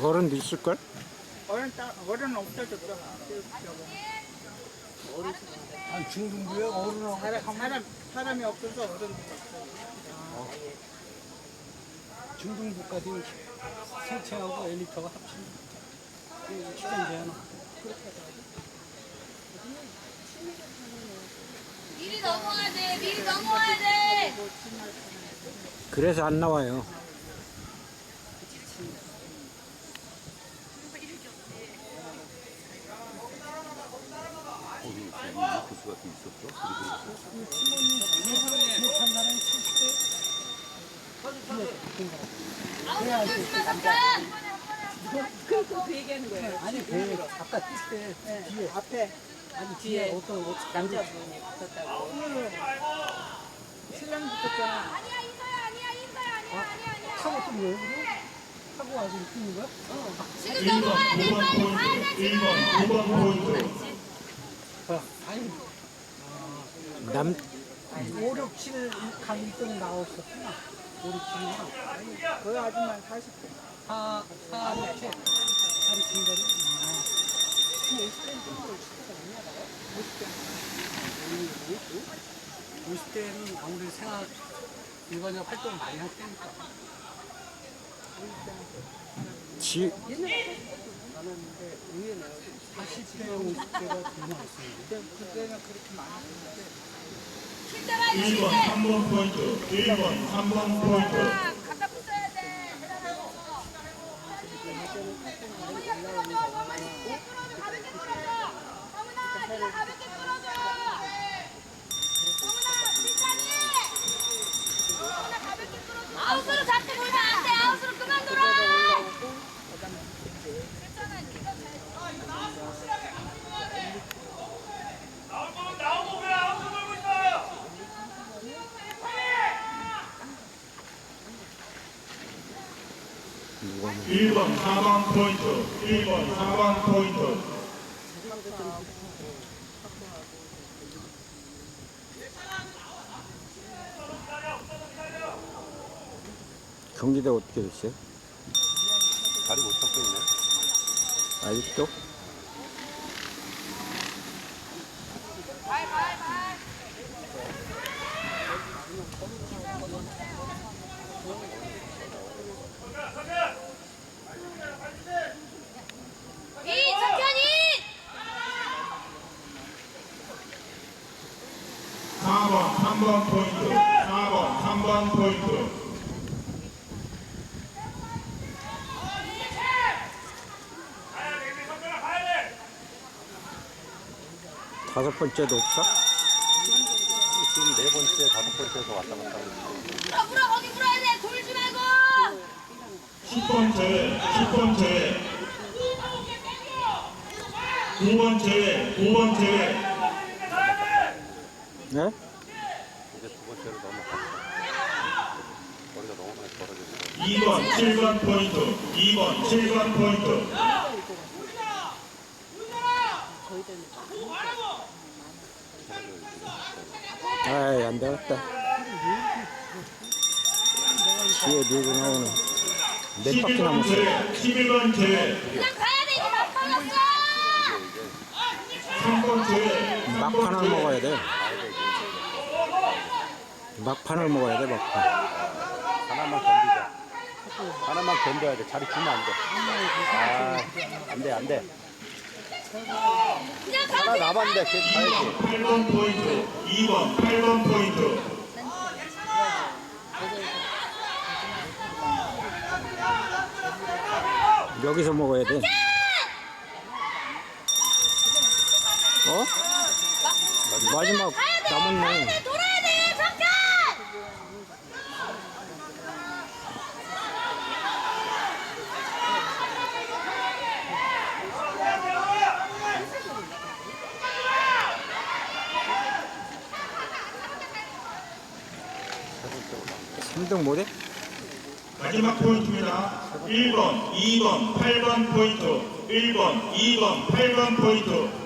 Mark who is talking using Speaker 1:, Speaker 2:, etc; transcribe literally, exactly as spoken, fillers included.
Speaker 1: 어른도 있을걸?
Speaker 2: 어른 따, 어른 없어졌잖아.
Speaker 3: 아니 중등부에 어른하고
Speaker 2: 사람, 사람, 사람이 없어서 어른 없어.
Speaker 3: 중등부까지 세체하고 엘리트가 합치면 시간 제한
Speaker 4: 미리 넘어야 돼. 미리 넘어야 돼.
Speaker 1: 그래서 안 나와요.
Speaker 5: 코스 같은 게 있었어?
Speaker 3: 못한 사람이 칠십 대
Speaker 4: 아우, 조심하 잠깐.
Speaker 2: 그, 그 얘기하는 거예요.
Speaker 3: 아니 배 아까 뛸때 뒤에
Speaker 2: 앞에
Speaker 3: 아니 뒤에 어떤 어-
Speaker 2: 남자분이 붙었다고. 신랑 붙었잖아.
Speaker 4: 아니야 인서야 아니야 인서야 아니야 아니야 아니야.
Speaker 3: 타고 뛴 거예요? 그럼? 타고 와서 뛰는 거야?
Speaker 4: 지금 넘어가야 돼. 빨리 가야 돼
Speaker 6: 일 번,
Speaker 4: 지금.
Speaker 6: 이 번 포인트.
Speaker 3: 어, 아니
Speaker 1: 남,
Speaker 3: 오, 육, 칠 가고 있더니 나왔었구나. 오, 육, 칠이구나.
Speaker 2: 그 아줌마 사십 대.
Speaker 3: 사, 사, 육, 칠. 하루 중간에. 오십 대는 아무래도 생활, 일반적 활동을 많이 할 때니까.
Speaker 1: 지,
Speaker 3: 사십 대, 오십 대가 더 많습니다.
Speaker 2: 그때는 그렇게 많았는데.
Speaker 4: 힘들어
Speaker 6: 일 번,
Speaker 4: 힘들.
Speaker 6: 삼 번 포인트. 일 번, 삼 번 포인트.
Speaker 4: 갖다 붙여야 돼. 대단하고. 어머니가 끌어줘. 어머니 끌어줘. 가볍게 끌어줘. 어머나 네가 가볍게 끌어줘. 어머나 진짜니. 어머나 가볍게 끌어줘. 아웃으로 잡고 놀면 안 돼. 아웃으로 그만 놀아. 괜찮아. 네가 잘.
Speaker 6: 나오고, 나오고 왜 아웃을 돌고 있어요?
Speaker 1: 누가 뭐.
Speaker 6: 일 번, 사 번 포인트. 일 번, 사 번 포인트.
Speaker 1: 경기대 어떻게 됐어요?
Speaker 5: 다리 못 잡고 있네.
Speaker 1: 아직도?
Speaker 4: 발, 발, 발. 이 석현이.
Speaker 6: 사 번, 삼 번 포인트. 사 번, 삼 번 포인트.
Speaker 1: 다섯 번째도 없어?
Speaker 5: 지금 네 번째, 다섯 번째에서 왔다 갔다 하고 있어.
Speaker 4: 물어, 물어, 거기 물어야 돼. 돌지 말고.
Speaker 6: 십 번 제외, 십 번 제외. 구 번 제외, 구 번 제외.
Speaker 1: 네?
Speaker 5: 이제 두 번째로 넘어갔어. 머리가 너무 많이 벌어졌어.
Speaker 6: 이 번, 칠 번 포인트. 이 번, 칠 번 포인트.
Speaker 1: 아이, 안 되겠다. 뒤에 밀고 나오는. 몇 바퀴
Speaker 6: 십일 번
Speaker 1: 남았어?
Speaker 6: 제외, 십일 번 제외.
Speaker 4: 그냥 가야 돼. 이제 다 빨랐어.
Speaker 6: 삼 번 제외. 삼 번
Speaker 1: 막판을
Speaker 6: 제외.
Speaker 1: 먹어야 돼. 막판을 먹어야 돼, 막판.
Speaker 5: 하나만 견디자. 하나만 견뎌야 돼. 자리 주면 안 돼. 아, 안 돼, 안 돼.
Speaker 4: 그냥 가.
Speaker 5: 하나 남았는데, 걔 가야지.
Speaker 6: 팔 번 포인트. 이 번, 팔 번 포인트.
Speaker 1: 여기서 먹어야 돼. 어? 마지막 남았네.
Speaker 4: 돼. 돌아야 돼. 잠깐.
Speaker 1: 삼 등 못해?
Speaker 6: 마지막 포인트입니다. 일 번, 이 번, 팔 번 포인트. 일 번, 이 번, 팔 번 포인트.